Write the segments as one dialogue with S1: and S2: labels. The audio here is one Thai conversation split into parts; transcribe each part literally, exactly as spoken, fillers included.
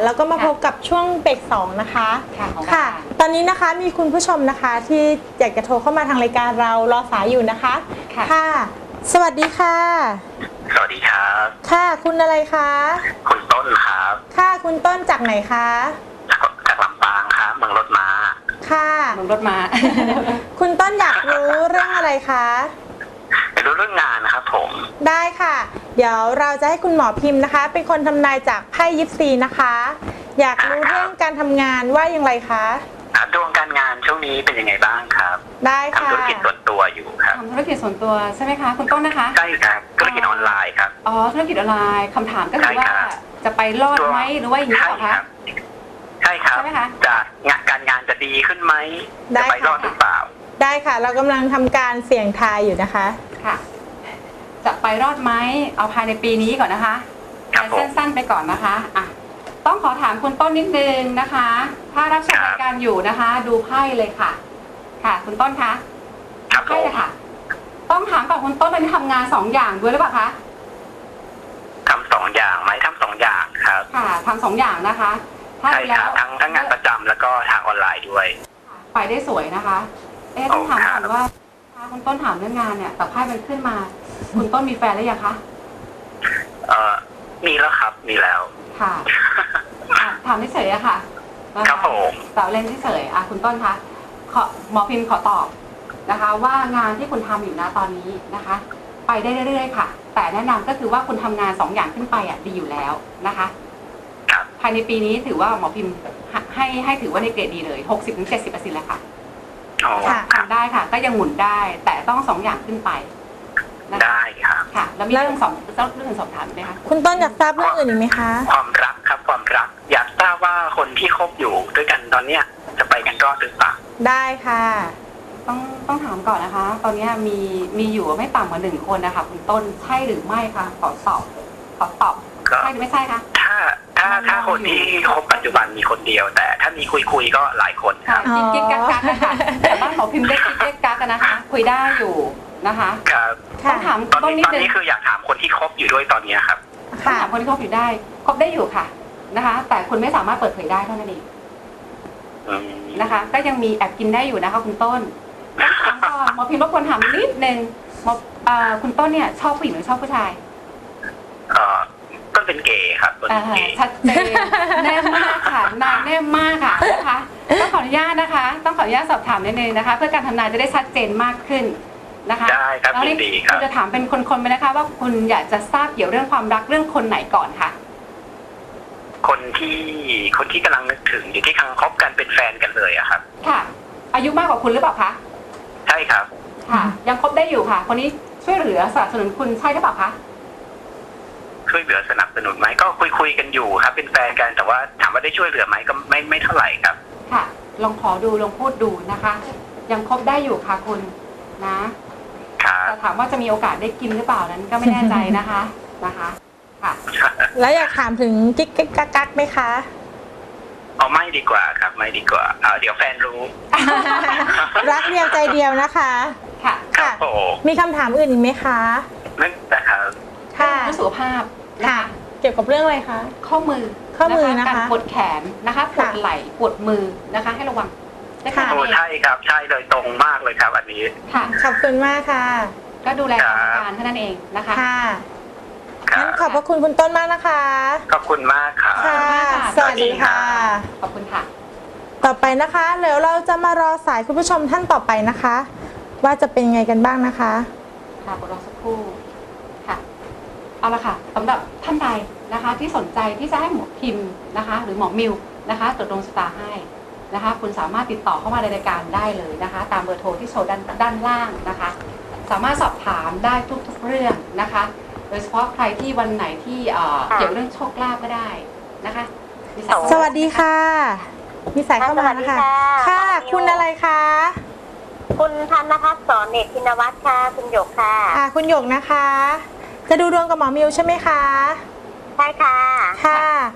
S1: แล้วก็มาพบกับช่วงเบรกสองนะคะ
S2: ค่ะของ
S1: ค่ะ
S2: รายการ
S1: ตอนนี้นะคะมีคุณผู้ชมนะคะที่อยากจะโทรเข้ามาทางรายการเรารอสายอยู่นะคะ
S2: ค่ะ
S1: ค่ะ สวัสดีค่ะ
S3: สวัสดีครับ
S1: ค่ะ คุณอะไรคะ
S3: คุณต้นครับ
S1: ค่ะ คุณต้นจากไหนคะ
S3: จากจากลำปางครับเมืองรถม้า
S1: ค่ะ
S2: ลงรถมา
S1: คุณต้นอยากรู้เรื่องอะไรคะ
S3: ไปรู้เรื่องงานนะครับผม
S1: ได้ค่ะ เดี๋ยวเราจะให้คุณหมอพิมพ์นะคะ เป็นคนทำนายจากไพ่ยิปซีนะคะ อยากรู้เรื่องการทำงานว่าอย่างไรคะ
S3: ครับดวงการงานช่วงนี้เป็นยังไงบ้างครับ
S1: ได้ค่ะ
S3: ทำธุรกิจส่วนตัวอยู่ครับ
S2: ทำธุรกิจส่วนตัวใช่ไหมคะคุณต้นนะคะ
S3: ใช่ครับธุรกิจออนไลน์ครับ
S2: อ๋อธุรกิจออนไลน์คำถามก็คือ
S3: ใช่
S2: ว่า
S3: ครับ
S2: จะไปรอดไหมหรือว่าอย่างนี้
S3: ใช่
S2: เหรอ
S3: ค
S2: คะ
S3: รับใช่ครับ
S2: ใช่ไหมคะ
S3: จะงานการงานจะดีขึ้นไหม
S1: ได้
S3: จะไป
S1: ค่ะ
S3: รอดหรือเปล่า
S1: ได้ค่ะ เรากำลังทำการเสี่ยงทายอยู่นะคะ
S2: ค่ะ จะไปรอดไหมเอาภายในปีนี้ก่อนนะคะ
S3: ครับผม
S2: สั้นๆไปก่อนนะคะอ่ะต้องขอถามคุณต้นนิดนึงนะคะ ถ้ารับชมรายการอยู่นะคะ ดูไพ่เลยค่ะ ค่ะ คุณต้นคะ
S3: ครับผ
S2: ไพ่
S3: ม
S2: เลยค่ะ ต้องถามก่อนคุณต้นตอนนี้ทำงานสองอย่างด้วยหรือเปล่าคะ
S3: ทำสองอย่างไหมทำสองอย่างครับ
S2: ค่ะทำสองอย่างนะคะ ถ้า
S3: ใช่
S2: ดู
S3: ค
S2: แล้
S3: รั
S2: ว
S3: บทั้งทั้งงานประจำแล้วก็ทางออนไลน์ด้วย
S2: ไปได้สวยนะคะ เอ๊ะต้องถาม
S3: โอ้ครั
S2: ก่อบ นว่าถ้าคุณต้นถามเรื่องงานเนี่ยแต่ไพ่มันขึ้นมา คุณต้นมีแฟนหรือยังคะ
S3: เอ่อมีแล้วครับมีแล้ว
S2: ค่ะอ่ะถามเฉยๆอะค่ะนะะ
S3: ครับผม
S2: แต่เล่นเฉยๆอ่ะคุณต้นคะขอหมอพิมพ์ขอตอบนะคะ ว่างานที่คุณทำอยู่นะตอนนี้นะคะ ไปได้เรื่อยๆค่ะ แต่แนะนำก็คือว่าคุณทำงานสองอย่างขึ้นไปอ่ะดีอยู่แล้วนะคะ
S3: ครับ
S2: ภายในปีนี้ถือว่าหมอพิมพ์ให้ให้ถือว่าในเกรดดีเลย หกสิบถึงเจ็ดสิบเปอร์เซ็นต์ เลยค่ะ
S3: อ๋อ
S1: ค่ะ
S3: ครับ
S2: ทำได้ค่ะ ก็ยังหมุนได้ แต่ต้องสองอย่างขึ้นไปนะคะ
S3: ได้ครับ
S2: ค่ะ แล้วมีเรื่องสองเรื่องสอบถามไหมคะ
S1: คุณต้นอยากทราบเรื่องอื่นอีกไหมคะ
S3: ความรักครับความรัก อยากทราบว่าคนที่คบอยู่ด้วยกันตอนเนี้ยจะไปกันรอดหรือเปล่า
S1: ได้ค่ะ
S2: ต้องต้องถามก่อนนะคะ ตอนนี้มีมีอยู่ไม่ต่ำกว่าหนึ่งคนนะคะคุณต้นใช่หรือไม่คะขอตอบขอตอบ
S3: ก็
S2: ใช่หรือไม่ใช่คะ
S3: ถ้าถ้าถ้าคนที่คบปัจจุบันมีคนเดียว แต่ถ้ามีคุยคุยๆก็หลายคนค
S2: ค่ะ
S3: รับ
S2: กิ๊กกิ๊กกักกักอะค่ะแต่บ้านหมอพิมพ์ได้กิ๊กกิ๊กกักกันนะคะ คุยได้อยู่นะคะ
S3: ครับ
S2: ต้
S1: ค่ะ
S2: องถาม
S3: ตอน
S2: ต้น
S3: นี้
S2: นิด
S3: ตอน
S2: นึง
S3: นี้คืออยากถามคนที่คบอยู่ด้วยตอนเนี้ยครับ
S2: ต้อง
S1: ค่ะ
S2: ถามคนที่คบอยู่ได้คบได้อยู่ค่ะนะคะ แต่คุณไม่สามารถเปิดเผยได้เท่านั้นเอง
S3: อืม
S2: นะคะ ก็ยังมีแอบกินได้อยู่นะคะคุณต้นต้องถามก่อนหมอพิมพ์รบกวนถามนิดนึงหมอเอ่อคุณต้นเนี่ยชอบผู้หญิงหรือชอบผู้ชาย
S3: เอ่อต้นเป็นเกย์ครับต้น
S2: อ่า
S3: เป็นเกย์
S2: ชัดเจนแน่มากค่ะนายแน่มากค่ะนะคะต้องขออนุญาตนะคะ ต้องขออนุญาตสอบถามนิดนึงนะคะ เพื่อการทำนายจะได้ชัดเจนมากขึ้นนะคะ
S3: ได้ครับ
S2: แล้ว
S3: ยิ
S2: นี่
S3: นดีครับ
S2: จะถามเป็นคนๆไปนะคะ ว่าคุณอยากจะทราบเกี่ยวเรื่องความรักเรื่องคนไหนก่อนค่ะ
S3: คนที่คนที่กำลังนึกถึงอยู่ที่กำลังคบกันเป็นแฟนกันเลยอะครับ
S2: ค่ะ อายุมากกว่าคุณหรือเปล่าคะ
S3: ใช่ครับ
S2: ค่ะ ยังคบได้อยู่ค่ะ คนนี้ช่วยเหลือสนับสนุนคุณใช่หรือเปล่าคะ
S3: ช่วยเหลือสนับสนุนไหมก็คุยคุยๆกันอยู่ครับ เป็นแฟนกันแต่ว่าถามว่าได้ช่วยเหลือไหมก็ไม่ไม่เท่าไหร่ครับ
S2: ค่ะ ลองขอดูลองพูดดูนะคะ ยังคบได้อยู่ค่ะคุณนะ
S3: ครับ
S2: แต่ถามว่าจะมีโอกาสได้กินหรือเปล่านั้นก็ไม่แน่ใจนะคะนะคะ ค่ะ
S1: แล้วอยากถามถึงกิ๊กกิ๊กกักกักไหมคะ
S3: เอาไม่ดีกว่าครับไม่ดีกว่าอ่าเดี๋ยวแฟนรู้
S1: รักเดียวใจเดียวนะคะ
S2: ค่ะ
S3: ครับผม
S1: มีคำถามอื่นอีกไหมคะ
S3: นั่นนะครับ
S1: ค่ะ
S2: เรื่องสุขภาพนะ
S1: ค่ะ
S2: คะ
S1: เกี่ยวกับเรื่องอะไรคะ
S2: ข้อมือ
S1: ข้อมือนะคะ
S2: การปวดแขนนะคะปวด
S1: ค่ะ
S2: ไหล่ปวดมือนะคะ ให้ระวังได้แค่
S1: ค่ะ
S2: นั้น
S3: โอ้
S2: เอง
S3: ใช่ครับใช่เลยตรงมากเลยครับอันนี้
S2: ค่ะ
S1: ขอบคุณมากค่ะ
S2: ก็ดูแล
S3: ครั
S2: อา
S3: บ
S2: การเท่านั้นเองนะคะ
S1: ค่ะ
S3: ครั
S1: งั้น
S3: บ
S1: ขอบพระคุณคุณต้นมากนะคะ
S3: ขอบคุณมากครับ
S1: ค่ะ สวัสดีค่ะ
S2: ขอบคุณค่ะ
S1: ต่อไปนะคะเดี๋ยวเราจะมารอสายคุณผู้ชมท่านต่อไปนะคะ ว่าจะเป็นยังไงกันบ้างนะคะ
S2: ค่ะรอสักครู่ค่ะ เอาละค่ะสำหรับท่านใดนะคะ ที่สนใจที่จะให้หมอพิมพ์นะคะ หรือหมอมิวนะคะตรวจดวงชะตาให้นะคะ คุณสามารถติดต่อเข้ามาในรายการได้เลยนะคะ ตามเบอร์โทรที่โชว์ด้านด้านล่างนะคะ สามารถสอบถามได้ทุกๆเรื่องนะคะ โดยเฉพาะใครที่วันไหนที่เอ่อเกี่ยวเรื่องโชคลาภก็ได้นะคะมีาย
S1: สวัสดีค่ะ มีสายเข้ามานะคะ
S4: สวัสดีค่ะ
S1: ค่ะ
S4: น้องมิว
S1: คุณอะไรคะ
S4: คุณธนพัฒน์สอนเนตรธินวัฒน์ค่ะ คุณหยกค่ะ
S1: อ่าคุณหยกนะคะ จะดูดวงกับหมอมิวใช่ไหมคะ
S4: ใช่ค่ะ
S1: ค่ะ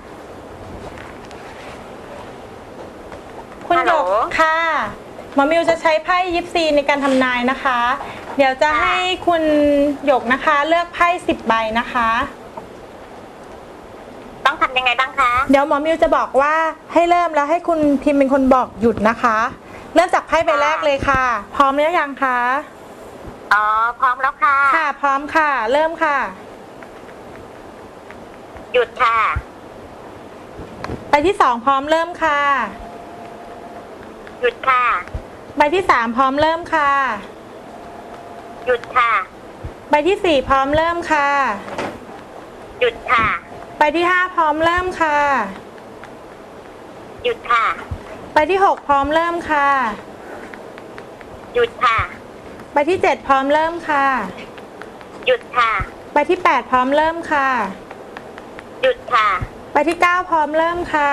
S1: คุณหยก
S4: ฮัลโหล
S1: ค่ะ หมอมิวจะใช้ไพ่ยิปซีในการทำนายนะคะ เดี๋ยวจะให้คุณหยกนะคะ เลือกไพ่สิบใบนะคะ
S4: ต้องทำยังไงบ้างคะ
S1: เดี๋ยวหมอมิวจะบอกว่าให้เริ่มแล้วให้คุณพิมพ์เป็นคนบอกหยุดนะคะ เริ่มจากไพ่ใบแรกเลยค่ะ พร้อมหรือยังคะ
S4: อ๋อ พร้อมแล้วค่ะ
S1: ค่ะ พร้อมค่ะ เริ่มค่ะ
S4: หยุดค่ะ
S1: ใบที่สองพร้อมเริ่มค่ะ
S4: หยุดค่ะ
S1: ใบที่สามพร้อมเริ่มค่ะ
S4: หยุดค่ะ
S1: ใบที่สี่พร้อมเริ่มค่ะ
S4: หยุดค่ะ
S1: ใบที่ห้าพร้อมเริ่มค่ะ
S4: หยุดค่ะ
S1: ใบที่หกพร้อมเริ่มค่ะ
S4: หยุดค่ะ
S1: ใบที่เจ็ดพร้อมเริ่มค่ะ
S4: หยุดค่ะ
S1: ใบที่แปดพร้อมเริ่มค่ะ
S4: หยุดค่ะ
S1: ใบที่เก้าพร้อมเริ่มค่ะ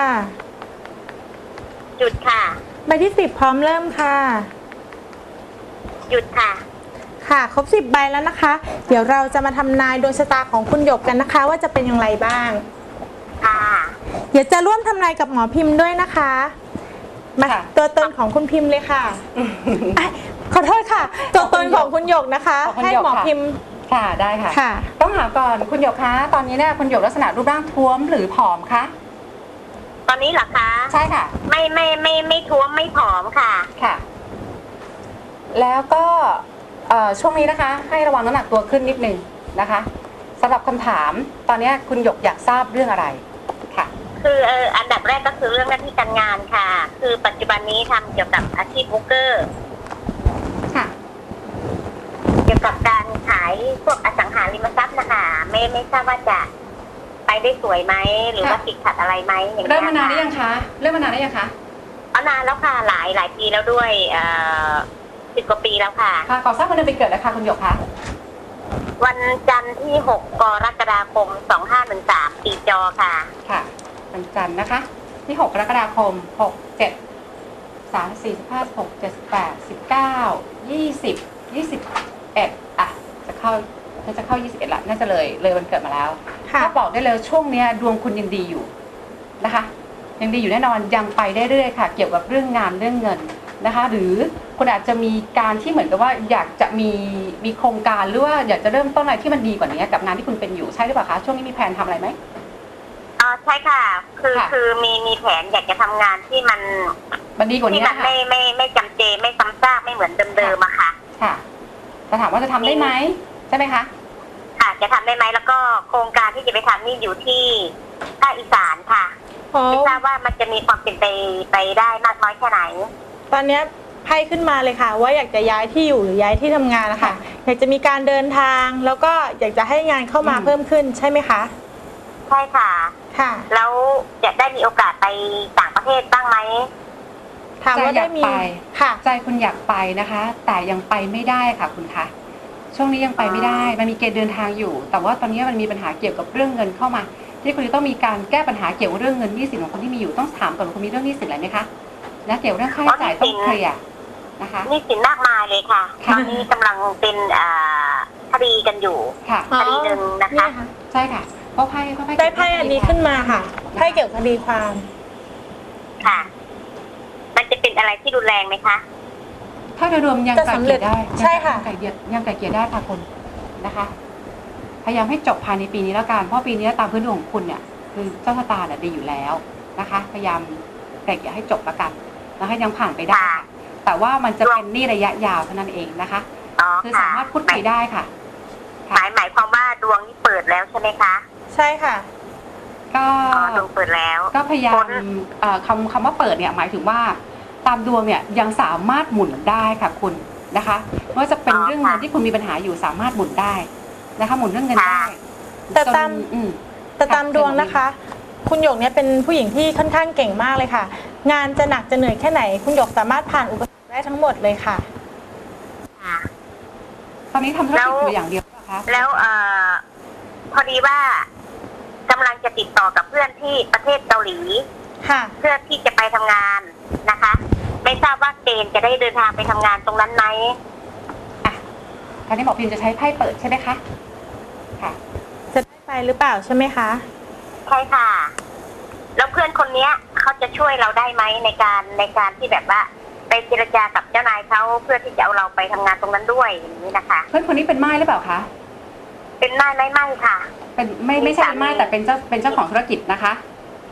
S4: หยุดค่ะ
S1: ใบที่สิบพร้อมเริ่มค่ะ
S4: หยุดค่ะ
S1: ค่ะ ครบสิบใบแล้วนะคะ เดี๋ยวเราจะมาทำนายดวงชะตาของคุณหยกกันนะคะ ว่าจะเป็นอย่างไรบ้าง
S4: ค่ะ
S1: เดี๋ยวจะร่วมทำนายกับหมอพิมพ์ด้วยนะคะ มา
S2: ค่ะ
S1: ตัวตนของคุณพิมพ์เลยค่ะอ่ะขอโทษค่ะ ตัวตนของคุณหยกนะคะ
S2: ของคุณ
S1: ให้
S2: หยก
S1: หมอ
S2: ค่ะ
S1: พิมพ์
S2: ค่ะได้ค่ะ
S1: ค่ะ
S2: ต้องถามก่อนคุณหยกคะตอนนี้เนี่ยคุณหยกลักษณะรูปร่างท้วมหรือผอมคะ
S4: ตอนนี้เหรอคะ
S2: ใช่ค่ะ
S4: ไม่ไม่ไม่ไม่ท้วมไม่ผอมค่ะ
S2: ค่ะ แล้วก็เอ่อช่วงนี้นะคะ ให้ระวังน้ำหนักตัวขึ้นนิดนึงนะคะสำหรับคำถามตอนนี้คุณหยกอยากทราบเรื่องอะไรค่ะ
S4: คือเอออันดับแรกก็คือเรื่องหน้าที่การงานค่ะ คือปัจจุบันนี้ทำเกี่ยวกับอาชีพโบรกเกอร์
S2: ค่ะ
S4: เกี่ยวกับการขายพวกอสังหาริมทรัพย์นะคะไม่ไม่ทราบว่าจะไปได้สวยไหมหรือว่า
S2: ค่ะ
S4: ติดขัดอะไรไหมอย่าง
S2: เริ่
S4: เงี้
S2: ม
S4: ย
S2: มานานหรือ
S4: ค่ะ
S2: ยังคะเริ่มมานานหรือยังคะ
S4: เอานานแล้วค่ะหลายหลายปีแล้วด้วยเอ่อสิบกว่าปีแล้วค่ะ
S2: ค่ะขอทราบวันเดือนปีเกิดแล้วค่ะคุณหยกคะ
S4: วันจันทร์ที่หกกรกฎาคมสองห้าหนึ่งสามปีจอค่ะ
S2: ค่ะวันจันทร์นะคะ ที่หกกรกฎาคมหก เจ็ด สาม สี่ สิบห้า สิบหก เจ็ด แปด สิบเก้า ยี่สิบ ยี่สิบเอ็ดอ่ะจะเข้าน่าจะเข้ายี่สิบเอ็ดละน่าจะเลยเลยวันเกิดมาแล้ว
S1: ค่ะ
S2: ถ้าบอกได้เลยช่วงเนี้ยดวงคุณยังดีอยู่นะคะยังดีอยู่แน่นอนยังไปได้เรื่อยค่ะ เกี่ยวกับเรื่องงานเรื่องเงินนะคะ หรือคุณอาจจะมีการที่เหมือนกับว่าอยากจะมีมีโครงการหรือว่าอยากจะเริ่มต้นอะไรที่มันดีกว่านี้กับงานที่คุณเป็นอยู่ใช่หรือเปล่าคะช่วงนี้มีแผนทำอะไรไหม
S4: อ๋อใช่ค่ะ คือ
S2: ค่ะ
S4: คือมีมีแผนอยากจะทำงานที่มัน
S2: มันดีกว่า
S4: ที่
S2: นี้
S4: มัน
S2: ค่ะ
S4: ไม่ไม่ไม่จำเจไม่ซ้ำซากไม่เหมือนเดิมๆอะค่ะ
S2: ค่ะแต่ถามว่าจะทำได้ไหมใช่ไหมคะ
S4: ค่ะจะทำได้ไหมแล้วก็โครงการที่จะไปทำนี่อยู่ที่ภาคอีสานค่ะ
S1: โอ้
S4: ไม่ทราบว่ามันจะมีความเป็นไปไปได้มากน้อยแค่ไหน
S1: ตอนเนี้ยไพ่ขึ้นมาเลยค่ะ ว่าอยากจะย้ายที่อยู่หรือย้ายที่ทำงานนะคะ อยากจะมีการเดินทาง แล้วก็อยากจะให้งานเข้ามา
S2: อืม
S1: เพิ่มขึ้นใช่ไหมคะ
S4: ใช่ค่ะ
S1: ค่ะ
S4: แล้วจะได้มีโอกาสไปต่างประเทศบ้างไหม
S1: ถามว่าได้มี
S2: ใจอยากไป
S1: ค่ะ
S2: ใจคุณอยากไปนะคะ แต่ยังไปไม่ได้ค่ะคุณคะช่วงนี้ยังไปไม่ได้มันมีเกณฑ์เดินทางอยู่ แต่ว่าตอนนี้มันมีปัญหาเกี่ยวกับเรื่องเงินเข้ามา ที่คุณจะต้องมีการแก้ปัญหาเกี่ยวกับเรื่องเงินหนี้สินของคนที่มีอยู่ต้องถามก่อนว่าคุณมีเรื่องหนี้สินอะไรไหมคะและเกี่ยวกับเรื่องค่าใช้จ่ายต้องเคลียร์นะคะ
S4: นี่สินมากมายเลยค่ะ
S2: ค่ะ
S4: ตอนนี้กำลังเป็นอ่าคดีกันอยู่
S2: ค่ะ
S1: อ๋อ
S4: คดีหนึ่งนะคะ
S1: เยค่ะ
S2: ใช่ค่ะเพราะไพ่เพราะไพ่
S1: ได้ไพ่อันนี้ขึ้นมาค่ะ ไพ่เกี่ยวกับคดีความ
S4: ค่ะ มันจะเป็นอะไรที่รุนแรงไหมคะ
S2: ถ้าโดยรวมยัง
S1: จะ
S2: ไก่
S1: สำ
S2: เก
S1: เร็
S2: ลี่
S1: จ
S2: ยได้
S1: ใช่ค่ะ
S2: ยังไก่เกลี่ยยังไก่เกลี่ยได้ค่ะคุณนะคะ พยายามให้จบภายในปีนี้แล้วกันเพราะปีนี้ตามพื้นดวงของคุณเนี่ยคือเจ้าชะตาเนี่ยดีอยู่แล้วนะคะ พยายามไก่เกลี่ยให้จบแล้วกันนะคะยังผ่านไปได้ค่ะแต่ว่ามันจะเป็นหนี้ระยะยาวเท่านั้นเองนะคะ
S4: อ๋อ
S2: คือ
S4: ค่ะ
S2: สามารถพูดคุยได้ค่ะ
S4: หมายหมายความว่าดวงนี่เปิดแล้วใช่ไหมคะ
S1: ใช่ค่ะ
S2: ก็
S4: อ๋อดวงเปิดแล้ว
S2: ก็พยายา
S4: พ้
S2: ม
S4: น
S2: เอ่อคำคำว่าเปิดเนี่ยหมายถึงว่าตามดวงเนี่ยยังสามารถหมุนได้ค่ะคุณนะคะไม่ว่าจะเป็นเรื่องเงินที่คุณมีปัญหาอยู่สามารถหมุนได้นะคะหมุนเรื่องเงินได้
S1: แต่ตาม
S2: จนอืม
S1: แต่ตามดวงนะคะ คุณหยกเนี่ยเป็นผู้หญิงที่ค่อนข้างเก่งมากเลยค่ะ งานจะหนักจะเหนื่อยแค่ไหน คุณหยกสามารถผ่านอุปสรรคได้ทั้งหมดเลยค่ะ
S4: ค่ะ
S2: ตอนนี้ทำธุร
S4: แล้
S2: กิจ
S4: ว
S2: อยู่อย่างเดียวเหรอคะ
S4: แล้วเอ่อพอดีว่ากำลังจะติดต่อกับเพื่อนที่ประเทศเกาหลี
S1: ค่ะ
S4: เพื่อที่จะไปทำงานนะคะ ไม่ทราบว่าเกณฑ์จะได้เดินทางไปทำงานตรงนั้นไหม
S2: อ่ะคราวนี้บอกพิมจะใช้ไพ่เปิดใช่ไหมคะค่ะ
S1: จะได้ไปหรือเปล่าใช่ไหมคะ
S4: ใช่ค่ะ แล้วเพื่อนคนเนี้ยเขาจะช่วยเราได้ไหมในการในการที่แบบว่าไปเจรจากับเจ้านายเขาเพื่อที่จะเอาเราไปทำงานตรงนั้นด้วยอย่างนี้นะคะ
S2: เพื่อนคนนี้เป็นไม้หรือเปล่าคะ
S4: เป็นไม่ไม่ไม่ค่ะ
S2: เป็นไม่ไม่ใช่เป็นไม้แต่เป็นเจ้าเป็นเจ้าของธุรกิจนะคะ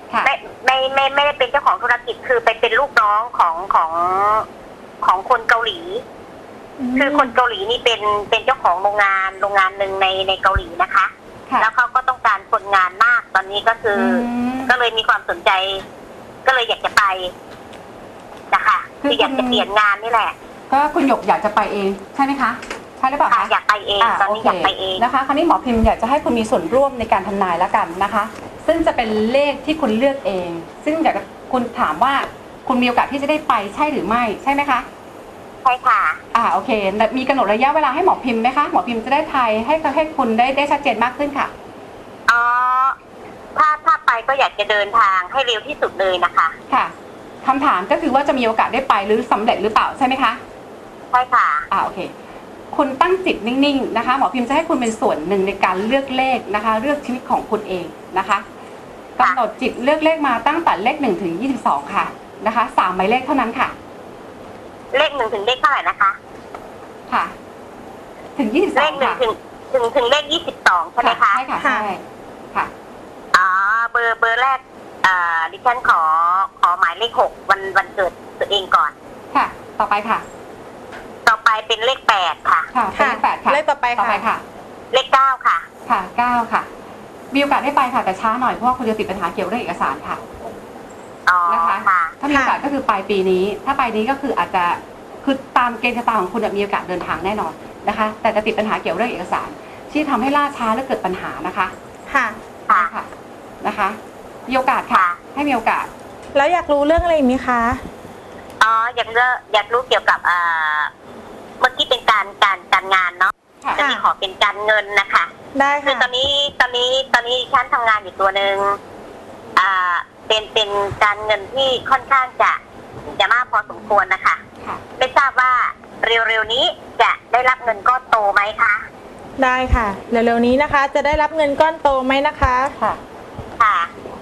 S2: ค่ะ
S4: ไม่ไม่ไม่ไม่ได้เป็นเจ้าของธุรกิจคือไปเป็นลูกน้องของของของคนเกาหลี คือคนเกาหลีนี่เป็นเป็นเจ้าของโรงงานโรงงานหนึ่งในในเกาหลีนะคะ
S2: ค่ะ
S4: แล้วเขาก็ต้องการคนงานมากตอนนี้ก็คืออ
S2: ม
S4: ก็เลยมีความสนใจ ก็เลยอยากจะไปนะคะ
S2: คือ
S4: คืออยากจะ
S2: คุณ
S4: เปลี่ยนงานนี่แหละ
S2: ก็คุณหยกอยากจะไปเองใช่ไหมคะใช่หรือเปล่า
S4: ค่ะ
S2: คะ
S4: อยากไปเองตอนนี้
S2: โค
S4: อยากไปเอง
S2: นะคะ คราวนี้หมอพิมพ์อยากจะให้คุณมีส่วนร่วมในการทำนายแล้วกันนะคะ ซึ่งจะเป็นเลขที่คุณเลือกเอง ซึ่งอยากจะคุณถามว่าคุณมีโอกาสที่จะได้ไปใช่หรือไม่ใช่ไหมคะ
S4: ใช่ค่ะ
S2: อ่าโอเคมีกำหนดระยะเวลาให้หมอพิมพ์ไหมคะหมอพิมพ์จะได้ทายให้ให้คุณได้ได้ชัดเจนมากขึ้นค่ะ
S4: อ๋อ ถ้าถ้าไปก็อยากจะเดินทางให้เร็วที่สุดเลยนะคะ
S2: ค่ะคำถามก็คือว่าจะมีโอกาสได้ไปหรือสำเร็จหรือเปล่าใช่ไหมคะ
S4: ใช่ค่ะ
S2: อ่าโอเค คุณตั้งจิตนิ่งๆนะคะหมอพิมพ์จะให้คุณเป็นส่วนหนึ่งในการเลือกเลขนะคะ เลือกชีวิตของคุณเองนะคะกำหนดจิตเลือกเลขมาตั้งแต่เลขหนึ่งถึงยี่สิบสองค่ะนะคะสามหมายเลขเท่านั้นค่ะ
S4: เลขหนึ่งถึงเลขเท่าไหร่นะคะ
S2: ค่ะ ถึงยี่สิบส
S4: เล
S2: อง
S4: ขหนึ่ง
S2: ค่ะ
S4: ถึงถึงถึงเลขยี่สิบสองใช่ไหมคะ
S2: ใช่ค่ะใช่ค่ะ
S4: อ๋อ เบอร์เบอร์แรกอ่าดิฉันขอขอหมายเลขหกวันวันเกิดตัวเองก่อน
S2: ค่ะ ต่อไปค่ะ
S4: ต่อไปเป็นเลขแปดค่ะ
S2: ค่ะเป็นเลขแปดค่ะ
S1: เลขต่อไป
S2: ต่อไป
S1: ค่ะ
S2: ค่ะ
S4: เลขเก้าค่ะ
S2: ค่ะเก้าค่ะ มีโอกาสได้ไปค่ะแต่ช้าหน่อยเพราะว่าคุณจะติดปัญหาเกี่ยวกับเรื่องเอกสารค่ะ
S4: อ๋อ
S2: นะคะ
S4: ค่ะ
S2: ถ้ามีโอกาสก็คือปลายปีนี้ ถ้าปลายนี้ก็คืออาจจะคือตามเกณฑ์ชะตาของคุณมีโอกาสเดินทางแน่นอนนะคะ แต่จะติดปัญหาเกี่ยวกับเรื่องเอกสาร ที่ทำให้ล่าช้าและเกิดปัญหานะคะ
S1: ค่ะ
S4: ค่ะ
S2: ค่ะนะคะ มีโอกาสค่ะ ให้มีโอกาส
S1: แล้วอยากรู้เรื่องอะไรอีกไหมคะ
S4: อ๋อ อยากเลือกอยากรู้เกี่ยวกับอ่าเมื่อกี้เป็นการการการงานเนาะ
S2: ค่ะ
S4: จะมีขอเป็นการเงินนะคะ
S1: ได้
S4: คือ
S1: ค่ะ
S4: ตอนนี้ตอนนี้ตอนนี้ฉันทำงานอยู่ตัวหนึ่งอ่า เป็นเป็นการเงินที่ค่อนข้างจะจะมากพอสมควรนะคะ
S2: ค่ะ
S4: ไม่ทราบว่าเร็วๆนี้จะได้รับเงินก้อนโตไหมคะ
S1: ได้ค่ะ เร็วๆนี้นะคะ จะได้รับเงินก้อนโตไหมนะคะ
S2: ค่ะ
S4: ค่ะ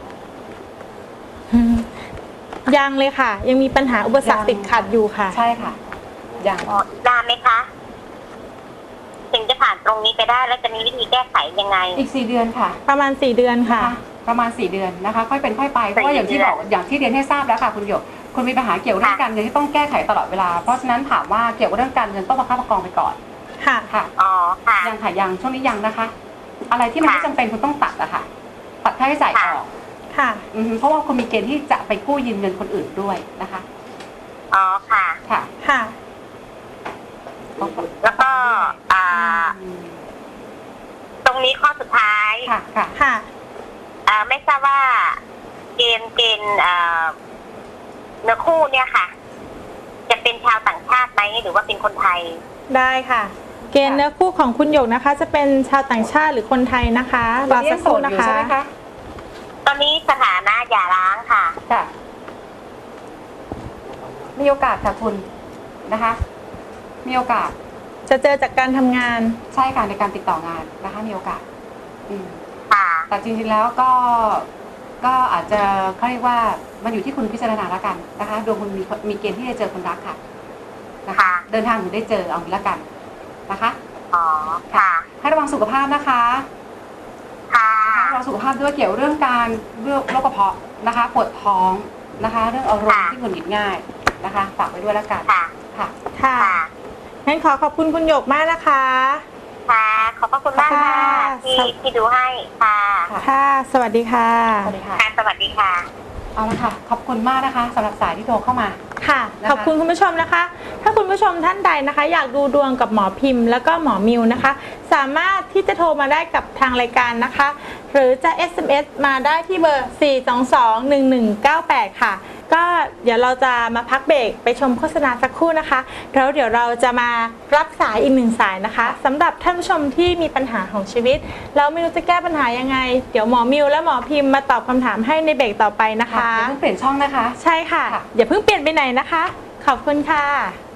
S1: อืมยังเลยค่ะ ยังมีปัญหาอุปสรรค
S2: ยัง
S1: ติดขัดอยู่ค่ะ
S2: ใช่ค่ะอย่าง
S4: อ๋ออีกนานไหมคะ ถึงจะผ่านตรงนี้ไปได้แล้วจะมีวิธีแก้ไขยังไง
S2: อีกสี่เดือนค่ะ
S1: ประมาณสี่เดือนค่ะ
S2: นะคะประมาณสี่เดือนนะคะ ค่อยเป็นค่อยไป เพราะว่าอย่างที่บอกอย่างที่เรียนให้ทราบแล้วค่ะคุณหยก คุณมีปัญหาเกี่ยวกับเรื่องการเงินที่ต้องแก้ไขตลอดเวลา เพราะฉะนั้นถามว่าเกี่ยวกับเรื่องการเงินต้องประคับประคองไปก่อน
S1: ค่ะ
S2: ค่ะ
S4: อ๋อ ค่ะ
S2: ยังค่ะยังช่วงนี้ยังนะคะ อะไรที่มันไม่
S4: ค่ะ
S2: จำเป็นคุณต้องตัดอะค่ะ ตัดค่าใช้จ่ายอ
S4: ค่ะ
S2: อก
S1: ค่ะ
S2: อือฮึเพราะว่าคุณมีเกณฑ์ที่จะไปกู้ยืมเงินคนอื่นด้วยนะคะ
S4: อ๋อ ค่ะ
S2: ค่ะ
S1: ค่ะ
S4: แล้วก็ อ่า
S2: อืม
S4: ตรงนี้ข้อสุดท้าย
S2: ค่ะค่ะ
S1: ค่ะ
S4: อ่า ไม่ทราบว่าเกณฑ์เกณฑ์อ่าเนื้อคู่เนี่ยค่ะ จะเป็นชาวต่างชาติไหมหรือว่าเป็นคนไทย
S1: ได้ค่ะ เกณฑ์เนื้อคู่ของคุณหยกนะคะ จะเป็นชาวต่างชาติหรือคนไทยนะคะรอสักครู่นะ
S2: ตอนนี้ยังโสดอยู่
S1: คะ
S2: ใช่ไหมคะ
S4: ตอนนี้สถานะหย่าร้างค่ะ
S2: ค่ะ มีโอกาสค่ะคุณนะคะ มีโอกาส
S1: จะเจอจากการทำงาน
S2: ใช่ค่ะในการติดต่องานนะคะ มีโอกาส อืม
S4: ค่ะ
S2: แต่จริงๆแล้วก็ก็อาจจะเขาเรียกว่ามันอยู่ที่คุณพิจารณาแล้วกันนะคะดวงคุณมีมีเกณฑ์ที่จะเจอคนรักค่ะนะคะ
S4: ค่ะ
S2: เดินทางถึงได้เจอเอางี้ละกันนะคะ
S4: อ๋อ ค่ะ
S2: ให้ระวังสุขภาพนะคะ
S4: ค่ะ
S2: ให้ระวังสุขภาพด้วยเกี่ยวเรื่องการเรื่องโรคกระเพาะนะคะ ปวดท้องนะคะ เรื่องอารมณ์
S4: ค่ะ
S2: ที่หงุดหงิดง่ายนะคะฝากไว้ด้วยแล้วกัน
S4: ค่ะ
S2: ค่ะ
S1: ค่ะ
S4: ค่ะ
S1: งั้นขอขอบคุณคุณหยกมากนะคะ
S4: ค่ะ ขอบพระคุณมากค่ะ
S1: ค่ะ
S4: ที่ที่ดูให้ ค่ะ
S2: ค่ะ
S1: ค่ะ สวัสดีค่ะ
S2: สวัสดีค่ะ
S4: ค่ะ สวัสดีค่ะ
S2: เอาละค่ะ ขอบคุณมากนะคะสำหรับสายที่โทรเข้ามา
S1: ค่ะ
S2: นะคะ
S1: ขอบคุณคุณผู้ชมนะคะ ถ้าคุณผู้ชมท่านใดนะคะ อยากดูดวงกับหมอพิมพ์ แล้วก็หมอมิวนะคะ สามารถที่จะโทรมาได้กับทางรายการนะคะ หรือจะ เอส เอ็ม เอส มาได้ที่เบอร์ สี่ สอง สอง หนึ่ง หนึ่ง เก้า แปด ค่ะ ก็เดี๋ยวเราจะมาพักเบรกไปชมโฆษณาสักครู่นะคะแล้วเดี๋ยวเราจะมารับสายอีกหนึ่งสายนะคะสำหรับท่านผู้ชมที่มีปัญหาของชีวิตแล้วไม่รู้จะแก้ปัญหายังไง เดี๋ยวหมอมิวและหมอพิมพ์มาตอบคำถามให้ในเบรกต่อไปนะคะ
S2: ค่ะอย่าเพิ่งเปลี่ยนช่องนะคะ
S1: ใช่ค่ะ
S2: ค่ะ
S1: อย่าเพิ่งเปลี่ยนไปไหนนะคะ ขอบคุณค่ะ